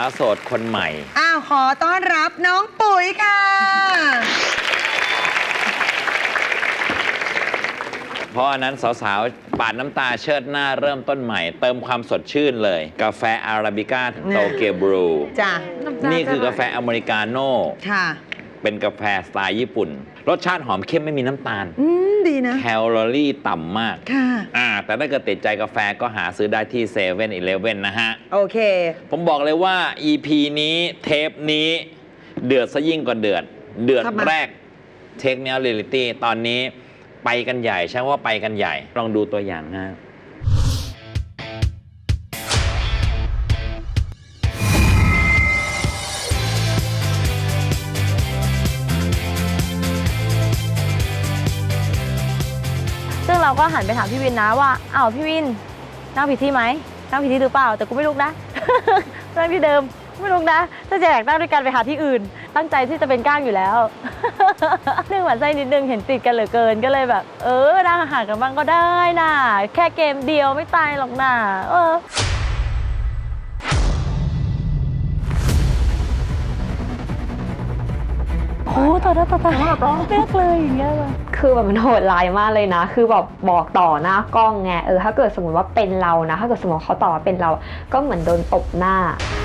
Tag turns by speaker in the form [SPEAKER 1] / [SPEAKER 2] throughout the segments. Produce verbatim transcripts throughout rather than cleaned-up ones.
[SPEAKER 1] าวโสดคนใหม่
[SPEAKER 2] อ้าวขอต้อนรับน้องปุ๋ยค่ะ
[SPEAKER 1] เพราะอันนั้นสาวๆปาดน้ำตาเชิดหน้าเริ่มต้นใหม่เติมความสดชื่นเลยกาแฟอาราบิก้าโตเกียวบรู
[SPEAKER 2] จ้ะ
[SPEAKER 1] นี่คือกาแฟอเมริกาโน่
[SPEAKER 2] ค่ะ
[SPEAKER 1] เป็นกาแฟสไตล์ญี่ปุ่นรสชาติหอมเข้มไม่มีน้ำตาล
[SPEAKER 2] อืมดีนะ
[SPEAKER 1] แคลอรี่ต่ำมาก
[SPEAKER 2] ค่ะ
[SPEAKER 1] อ่าแต่ถ้าเกิดติดใจกาแฟก็หาซื้อได้ที่เซเว่นอีเลฟเว่นนะฮะ
[SPEAKER 2] โอเค
[SPEAKER 1] ผมบอกเลยว่า อี พี นี้เทปนี้เดือดซะยิ่งกว่าเดือดเดือดแรกเทคเนียลเรียลิตี้ตอนนี้ไปกันใหญ่ใช่ว่าไปกันใหญ่ลองดูตัวอย่างนะ
[SPEAKER 3] ซึ่งเราก็หันไปถามพี่วินนะว่าอ้าวพี่วินนั่งผิดที่ไหมนั่งผิดที่หรือเปล่าแต่กูไม่ลุกนะนั่งที่เดิมไม่ลุกนะถ้าจะอยากนั่งด้วยกันไปหาที่อื่นตั้งใจที่จะเป็นก้างอยู่แล้วเรื่องหวานไส้นิดนึงเห็นติดกันเหลือเกินก็เลยแบบเออนั่งห่างกันบ้างก็ได้น่ะแค่เกมเดียวไม่ตายหรอกน่ะเออโอ้ต่อหน้าต่อตาเลือกเลยอย่างเงี้ย
[SPEAKER 4] คือแบบมันโหดร้ายมากเลยนะคือแบบบอกต่อหน้ากล้องไงเออถ้าเกิดสมมติว่าเป็นเรานะถ้าเกิดสมมติเขาต่อว่าเป็นเราก็เหมือนโดนตบหน้า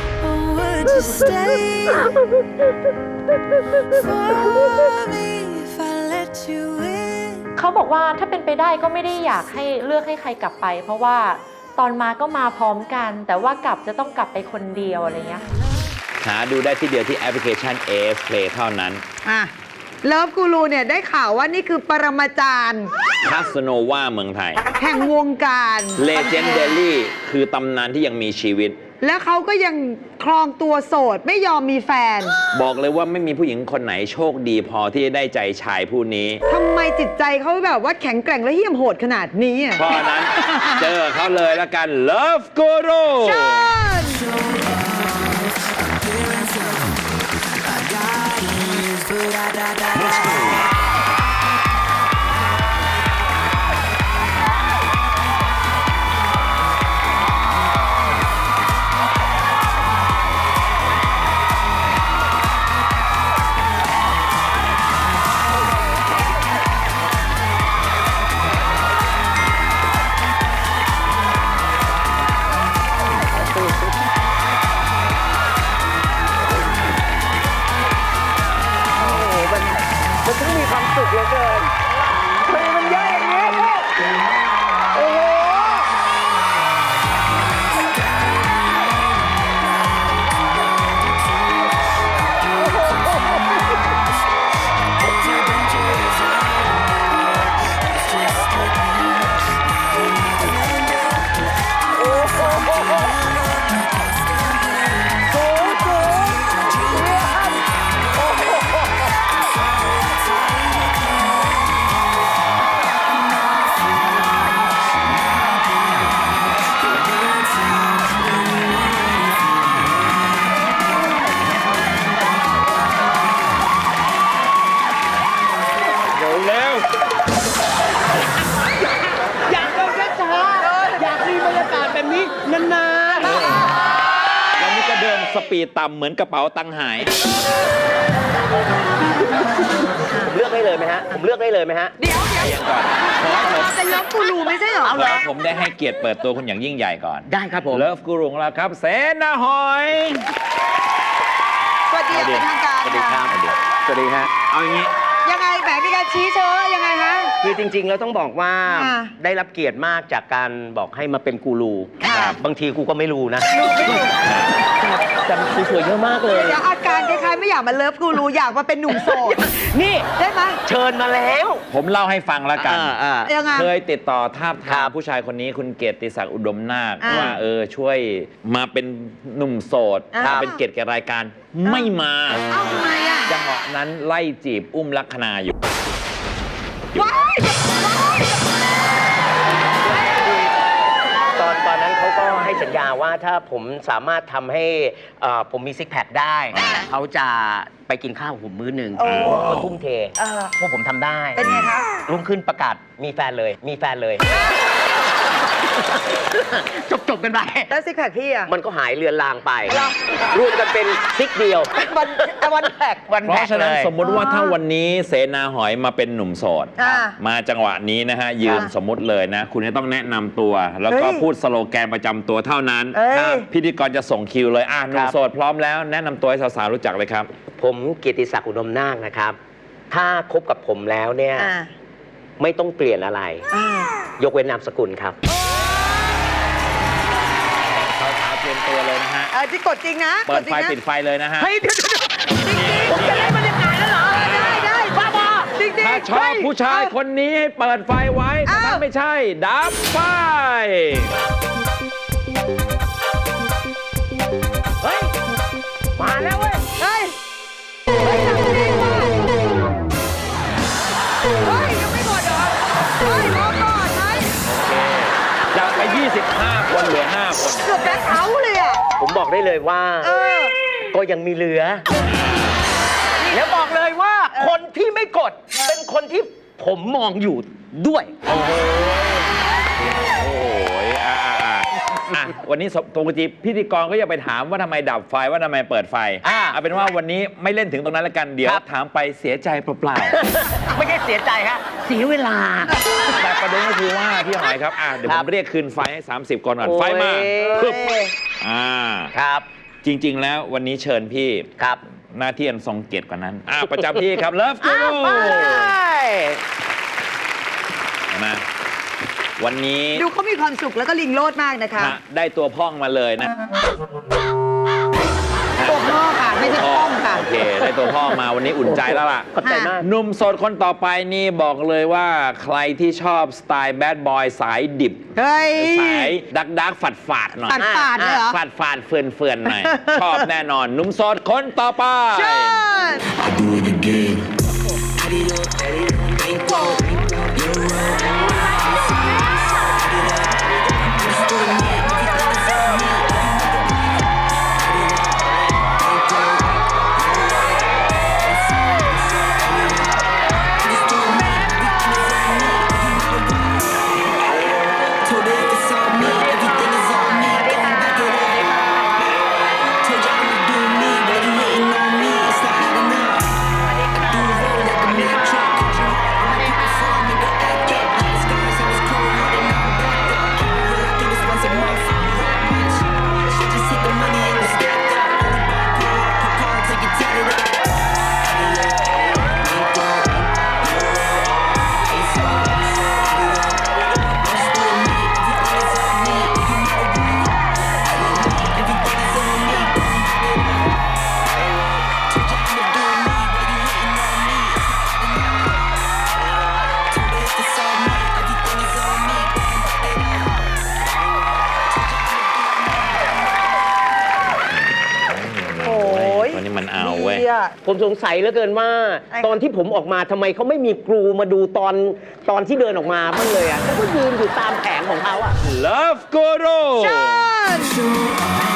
[SPEAKER 3] เขาบอกว่าถ้าเป็นไปได้ก็ไม่ได้อยากให้เลือกให้ใครกลับไปเพราะว่าตอนมาก็มาพร้อมกันแต่ว่ากลับจะต้องกลับไปคนเดียวอะไรเงี้ย
[SPEAKER 1] หาดูได้ที่เดียวที่แอปพลิเคชัน เอ เอส Play เท่านั้น
[SPEAKER 2] อ่ะเลิฟกูรูเนี่ยได้ข่าวว่านี่คือปรมาจารย์
[SPEAKER 1] คาสโนวาเมืองไทย
[SPEAKER 2] แห่งวงการ
[SPEAKER 1] เลเจนเดอรี่คือตำนานที่ยังมีชีวิต
[SPEAKER 2] แล้วเขาก็ยังครองตัวโสดไม่ยอมมีแฟน
[SPEAKER 1] บอกเลยว่าไม่มีผู้หญิงคนไหนโชคดีพอที่จะได้ใจชายผู้นี้
[SPEAKER 2] ทำไมจิตใจเขาแบบว่าแข็งแกร่งและเหี้ยมโหดขนาดนี้
[SPEAKER 1] เพราะนั้น เจอเขาเลยแล้วกัน Love Guru
[SPEAKER 2] เชิญมันต้องมีความสุขเหลือเกินทำไมมันเยอะอย่างนี้โอ้โห
[SPEAKER 1] สปีดต่ำเหมือนกระเป๋าตังค์หาย
[SPEAKER 5] ผมเลือกได้เลยไหมฮะผมเลือกได้เลยไหมฮะ
[SPEAKER 2] เดี๋ยวเดี๋ยวก่อนขอให้ผมเป็นเลิฟกูรูไม่ใช่เหรอเอา
[SPEAKER 1] ละผมได้ให้เกียรติเปิดตัวคุณอย่างยิ่งใหญ่ก่อน
[SPEAKER 5] ได้ครับผม
[SPEAKER 1] เลิฟกูรูของเราครับเสนาหอย
[SPEAKER 2] สวัสดีเป็นทางการ
[SPEAKER 5] สวัสดีครับสวัสดีฮะ
[SPEAKER 1] เอาอย่างนี้
[SPEAKER 2] ยังไงแบบมีการชี้เชิญยังไงฮะ
[SPEAKER 5] คือจริงๆแล้วต้องบอกว่าได้รับเกียรติมากจากการบอกให้มาเป็นกูรูบางทีกูก็ไม่รู้นะแต่สวยๆเยอะมากเลย
[SPEAKER 2] เดี๋ยวอาการคล้ายๆไม่อยากมาเลิฟกูรูอยากมาเป็นหนุ่มโสด
[SPEAKER 5] นี่
[SPEAKER 2] ได้ไหม
[SPEAKER 5] เชิญมาแล้ว
[SPEAKER 1] ผมเล่าให้ฟังแล้วกัน
[SPEAKER 2] ยังไง
[SPEAKER 1] เคยติดต่อทาบทามผู้ชายคนนี้คุณเกียรติศักดิ์อุดมนาคว่าเออช่วยมาเป็นหนุ่มโสดมาเป็นเกียรติแก่รายการไม่มาจังหวะนั้นไล่จีบอุ้มลักษณาอยู่
[SPEAKER 5] ตอนตอนนั้นเขาก็ให้สัญญาว่าถ้าผมสามารถทำให้ผมมีซิกแพคได้เขาจะไปกินข้าวผมมื้อหนึ่งก็ทุ่มเทพวกผมทำได้
[SPEAKER 2] เป็นไงคะ
[SPEAKER 5] รุ่งขึ้นประกาศมีแฟนเลยมีแฟนเลยจบจบกันไป
[SPEAKER 2] แล้วซิกแพคพี่อะ
[SPEAKER 5] มันก็หายเลือนลางไป รวมกันเป็นซิกเดียว
[SPEAKER 2] วันวันแพค
[SPEAKER 5] วัน
[SPEAKER 1] เพ
[SPEAKER 5] แร
[SPEAKER 1] ราะ
[SPEAKER 5] ก
[SPEAKER 1] ฉะนั้น
[SPEAKER 5] เลย
[SPEAKER 1] สมมุติว่าถ้าวันนี้เสนาหอยมาเป็นหนุ่มโสด
[SPEAKER 2] อ่า
[SPEAKER 1] มาจังหวะนี้นะฮะ ยืน
[SPEAKER 2] อ่า
[SPEAKER 1] สมมุติเลยนะ คุณจะต้องแนะนำตัว แล้วก็
[SPEAKER 2] เฮ้ย
[SPEAKER 1] พูดสโลแกนประจำตัวเท่านั้น
[SPEAKER 2] เอ้ย
[SPEAKER 1] ครับพิธีกรจะส่งคิวเลยอ่ะหนุ่มโสดพร้อมแล้วแนะนำตัวให้สาวๆรู้จักเลยครับ
[SPEAKER 5] ผมเกียรติศักดิ์อุดมนาคนะครับ ถ้าคบกับผมแล้วเนี่ย
[SPEAKER 2] อ่า
[SPEAKER 5] ไม่ต้องเปลี่ยนอะไร
[SPEAKER 2] อ่าย
[SPEAKER 5] กเว้นนามสกุลครับ
[SPEAKER 1] สาวๆเตรียมตัวเลยนะฮะ
[SPEAKER 2] เออที่กดจริงนะ
[SPEAKER 1] เปิด
[SPEAKER 2] กจริ
[SPEAKER 1] ไฟ
[SPEAKER 2] งนะ
[SPEAKER 1] ปิดไฟเลยนะฮะ
[SPEAKER 2] เฮ้ยเดี๋ยวเดี๋ยวจริงๆผมจะเล่นบรรยากาศแล้วเหรอ ได้ได้บ้าบอจริงๆ
[SPEAKER 1] ถ้าชอบผู้ชาย
[SPEAKER 2] เฮ้
[SPEAKER 1] คนนี้ให้เปิดไฟไว้แต่ถ้า
[SPEAKER 2] อ้าว
[SPEAKER 1] ไม่ใช่ดับไฟ
[SPEAKER 5] เฮ้ย มาแล้วเว้ย
[SPEAKER 2] เฮ้ย เฮ้ยหนังดีว่ะเฮ้ยยังไม่หมดเหรอ เฮ้ยรอก่อนไหม
[SPEAKER 1] จากไป ยี่สิบห้า คนเหลือ ห้า คน
[SPEAKER 2] เกือบแบล็คเอาท์เลยอ่ะ
[SPEAKER 5] ผมบอกได้เลยว่า
[SPEAKER 2] เออ
[SPEAKER 5] ก็ยังมีเหลือ แล้วบอกเลยว่าคนที่ไม่กด เป็นคนที่ผมมองอยู่ด้วย
[SPEAKER 1] โอ้โหโอ้ยอ่ะอ่ะอ่ะอ่ะวันนี้ปกติพิธีกรก็อย่าไปถามว่าทำไมดับไฟว่าทำไมเปิดไฟ
[SPEAKER 5] อ่า
[SPEAKER 1] เอาเป็นว่าวันนี้ไม่เล่นถึงตรงนั้นแล้วกันเดี๋ยว
[SPEAKER 5] ครับ
[SPEAKER 1] ถามไปเสียใจเปล่า
[SPEAKER 5] ไม่ใช่เสียใจฮะเสียเวลา
[SPEAKER 1] ๆแต่ประเด็นก็คือว่าพี่หอยครับอ่ะเดี๋ยว
[SPEAKER 5] ค
[SPEAKER 1] ผ
[SPEAKER 5] รับ
[SPEAKER 1] มเรียกคืนไฟให้ สามสิบก่อนก่อน
[SPEAKER 5] โอ้ย
[SPEAKER 1] ไฟมาปึ๊บ
[SPEAKER 2] เอ้ย
[SPEAKER 1] อ่า
[SPEAKER 5] ครับ
[SPEAKER 1] จริง ๆ แล้ววันนี้เชิญพี่
[SPEAKER 5] ครับ
[SPEAKER 1] หน้าที่อันทรงเกียรติกว่านั้นอ่ะประจำที่ครับเลิฟกู
[SPEAKER 5] อ้าว
[SPEAKER 1] รู
[SPEAKER 5] ไป
[SPEAKER 1] มาวันนี้
[SPEAKER 2] ดูเขามีความสุขแล้วก็ลิงโลดมากนะคะ
[SPEAKER 1] ฮะได้ตัวพ่องมาเลยนะ
[SPEAKER 2] ตัวพ่อค่ะ ไม่ใช่ป้องค่ะ
[SPEAKER 1] โอเค ได้ตัวพ่อมาวันนี้อุ่นใจแล้วล่ะ
[SPEAKER 5] ขอบใจมาก
[SPEAKER 1] หนุ่มโสดคนต่อไปนี่บอกเลยว่าใครที่ชอบสไตล์แบดบอยสายดิบ
[SPEAKER 2] เฮ้ย
[SPEAKER 1] สายดักดักฝาดฝาดๆหน่อย
[SPEAKER 2] ปัดปาดเลยเหรอ
[SPEAKER 1] ฝาดฝาดๆเฟื่อนเฟื่อนๆหน่อย ชอบแน่นอนหนุ่มโสดคนต่อไป
[SPEAKER 2] เชิญ
[SPEAKER 6] I do it again. Add it up, add it up, bankroll. Your roll. Add it up. Let's do it now. Everything is on me. Add it up, bankroll. Let's add it up. Let's do it now. Everything is on me. Told her if it's on me, everything is on me. Gon' back it up. Told you I'ma do me, but you hating on me. It's not enough. Do the roll like a meat truck. My people follow me, but act up. Last guys, I was cold, hearted, now I'm back up. Keep it real, I think it's once a month. Shit, just hit the money and it's stacked up. Only buy pull up, put car, take it, tatted up. Add it up, bankroll, euro, peso, add it up. Let's do it me, everything is on me. You know me. Add it up, everything is on me. Gon' back it up. Told you I'ma do me, but you hating on me. It's not enough. Told her if it's on me, everything is on me. Gon' back it up. Told you I'ma do me.
[SPEAKER 2] โอ้ย
[SPEAKER 1] วันนี้มันเอาเว้ย
[SPEAKER 2] ดีอะ
[SPEAKER 5] ผมสงสัยเหลือเกินว่า
[SPEAKER 2] ไอ้
[SPEAKER 5] ตอนที่ผมออกมาทำไมเขาไม่มีครูมาดูตอนตอนที่เดินออกมาบ้างเลยอ่ะเขาก็ยืนอยู่ตามแผงของเขาอ่ะ
[SPEAKER 1] Love Guru
[SPEAKER 2] เชิญ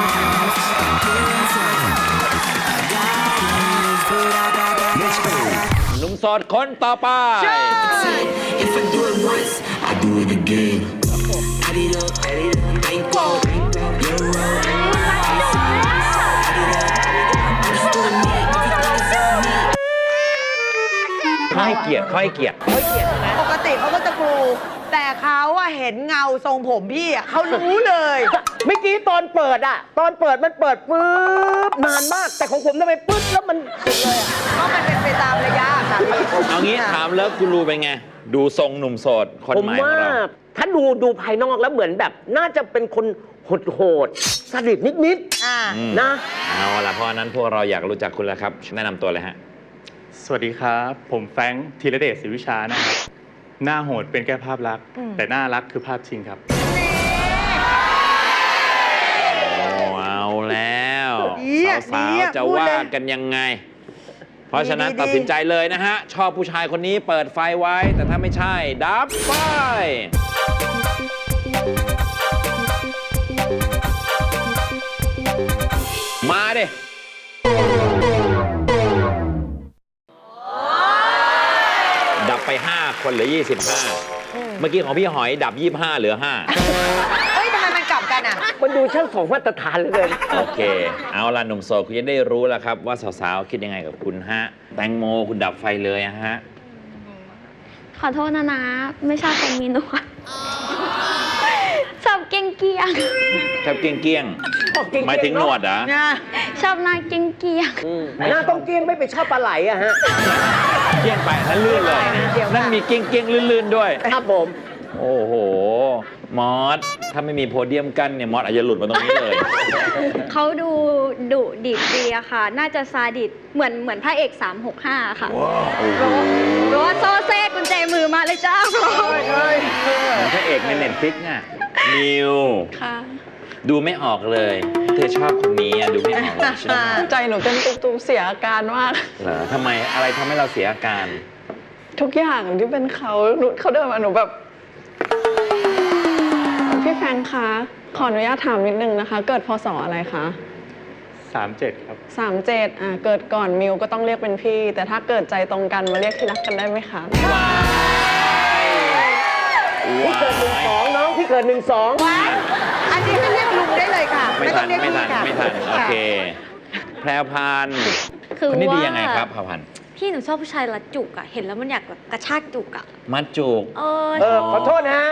[SPEAKER 1] หนุ่มโสดคนต่อไป
[SPEAKER 6] If I do it once, I do it again. Add it up, add it up, bankroll, euro, peso, add it up. Let's do it me, everything is on me.
[SPEAKER 1] เขาให้เกียรติเขาให้เกียรติ
[SPEAKER 2] ปกติเขาก็จะกรูแต่เขาอะเห็นเงาทรงผมพี่อะเขารู้เลย
[SPEAKER 5] เมื่อกี้ตอนเปิดอ่ะ ตอนเปิดมันเปิดปุ๊บนานมาก แต่ของผมทำไมปุ๊บแล้วมันสุดเลยอ่ะ
[SPEAKER 2] เพราะมันเป็นไปตามระยะค่ะพี่
[SPEAKER 1] เอางี้ถามเลิฟกูรูเป็นไง ดูทรงหนุ่มโสดคน
[SPEAKER 5] ผม
[SPEAKER 1] ใหม่ขอ
[SPEAKER 5] ว่าง
[SPEAKER 1] เรา
[SPEAKER 5] ถ้าดูดูภายนอกแล้วเหมือนแบบ น่าจะเป็นคนโหดโหดๆสดิตนิด
[SPEAKER 2] อ่า
[SPEAKER 1] อืม
[SPEAKER 5] ๆนะ
[SPEAKER 1] เอาล่ะเพราะฉะนั้นพวกเราอยากรู้จักคุณแล้วครับ แนะนำตัวเลยฮะ
[SPEAKER 7] สวัสดีครับ ผมแฟรงค์ธีรเดชศรีวิชานะครับ หน้าโหดเป็นแค่ภาพลักษณ์
[SPEAKER 2] อืม
[SPEAKER 7] แต่หน้ารักคือภาพจริงครับ
[SPEAKER 1] โอ้เอาแล้ว
[SPEAKER 2] ดีอะ
[SPEAKER 1] สา
[SPEAKER 2] ดี
[SPEAKER 1] ว
[SPEAKER 2] อะ
[SPEAKER 1] ๆจะ
[SPEAKER 2] พูด
[SPEAKER 1] ว่า
[SPEAKER 2] เลย
[SPEAKER 1] กันยังไง เพราะฉะนั้น
[SPEAKER 2] ดีๆ
[SPEAKER 1] ตัดสินใจเลยนะฮะ ชอบผู้ชายคนนี้เปิดไฟไว้ แต่ถ้าไม่ใช่ ดับไฟ มาดิ ดับไป ห้า คคนเหลือ ยี่สิบห้า เมื่อกี้ของพี่หอยดับ ยี่สิบห้า เหลือ ห้า
[SPEAKER 2] เฮ้ยทำไมมันกลับกันอ่ะ
[SPEAKER 5] มันดูช่างสองมาตรฐานเหลยเกิน
[SPEAKER 1] โอเค เอาล่ะหนุ่มโสดคุณจะได้รู้แล้วครับ ว่าสาวๆ คิดยังไงกับคุณฮะ แตงโมคุณดับไฟเลยอะฮะ
[SPEAKER 8] ขอโทษนะนะ ไม่ชอบคนมีหนวดชอบเกี้ยงเกียง
[SPEAKER 1] ชอบเกี้ยงเกี้ยงหมายถึงหนวดเหรอ
[SPEAKER 8] ชอบหน้าเกี้ยงเกียง
[SPEAKER 5] หน้าต้องเกี้ยงไม่ไปชอบปลาไหลอะฮะ
[SPEAKER 1] เกี้ยงไปนั่นลื่นเลย นั่นมีเกี้ยงเกี้ยงลื่นๆด้วย
[SPEAKER 5] ครับผม
[SPEAKER 1] โอ้โห มอส ถ้าไม่มีโพเดียมกั้นเนี่ยมอสอาจจะหลุดมาตรงนี้เลย
[SPEAKER 8] เขาดูดุดิบดีอะค่ะ น่าจะซาดิสเหมือนเหมือนพระเอกสามหกห้าค่ะเพราะว่าโซเซ่กุญแจมือมาเลยจ้า
[SPEAKER 1] เหมือนพระเอกในเน็ตฟลิกซ์น่ะนิว
[SPEAKER 8] ค่ะ
[SPEAKER 1] ดูไม่ออกเลย เธอชอบคนนี้อะดูไม่ออกเลยใช่ไหม
[SPEAKER 9] ใจหนูเต้นตุบๆเสียอาการมาก
[SPEAKER 1] เหรอทำไมอะไรทำให้เราเสียอาการ
[SPEAKER 9] ทุกอย่างที่เป็นเขาหนูเขาเดินมาหนูแบบ พี่แฟรงค์คะ ขออนุญาตถามนิดนึงนะคะ เกิดพศอะไรคะ
[SPEAKER 7] สามเจ็ด ครับ
[SPEAKER 9] สามเจ็ดอ่ะเกิดก่อนมิวก็ต้องเรียกเป็นพี่ แต่ถ้าเกิดใจตรงกันมาเรียกที่รักกันได้ไหมคะ
[SPEAKER 5] พี่เกิดหนึ่งสองน้องพี่เกิดหนึ่งสอง
[SPEAKER 2] อันนี้ให้เรียกลุงได้เลยค่ะ
[SPEAKER 1] ไม่ทัน
[SPEAKER 2] ต้องเรียก
[SPEAKER 1] ไม่ทัน
[SPEAKER 2] พี่ค่ะ
[SPEAKER 1] ไม่ทัน โอเค แพรวพันธุ์
[SPEAKER 3] คือ
[SPEAKER 1] คนนี้ดี
[SPEAKER 3] ว่า
[SPEAKER 1] ยังไงครับแพรวพันธุ์
[SPEAKER 3] พี่หนูชอบผู้ชายรัดจุกอะเห็นแล้วมันอยากแบบกระชากจุกอะ
[SPEAKER 1] มัดจูก
[SPEAKER 3] เออ
[SPEAKER 5] เออ ขอโทษนะฮะ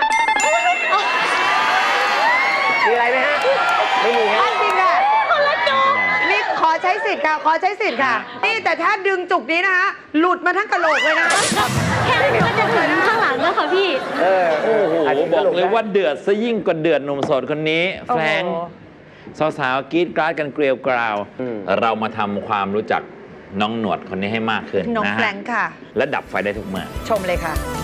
[SPEAKER 5] มีอะไรไหมฮะ ไม่มีฮะ
[SPEAKER 2] อันจริงค่ะนี่ขอใช้สิทธิ์ค่ะ ขอใช้สิทธิ์ค่ะ นี่แต่ถ้าดึงจุกนี้นะคะหลุดมาทั้งกะโหลกเลยนะ
[SPEAKER 3] แค่นี้ก็จะถึงข้างหลังแล้วค่ะพี่
[SPEAKER 5] เออ
[SPEAKER 1] โอ้โห
[SPEAKER 5] นนี้
[SPEAKER 1] บอกเลย
[SPEAKER 5] ตนะ
[SPEAKER 1] ว่าเดือดซะยิ่งกว่าเดือดหนุ่มโสดคนนี้ แฟรงค์สาวๆกรีดกราดกันเกลียวกราว เรามาทำความรู้จักน้องหนวดคนนี้ให้มากขึ้น
[SPEAKER 2] น้อง
[SPEAKER 1] นะ
[SPEAKER 2] แฟร
[SPEAKER 1] ฮะ
[SPEAKER 2] งค์ค่ะ
[SPEAKER 1] และดับไฟได้ทุกเมื่อ
[SPEAKER 2] ชมเลยค่ะ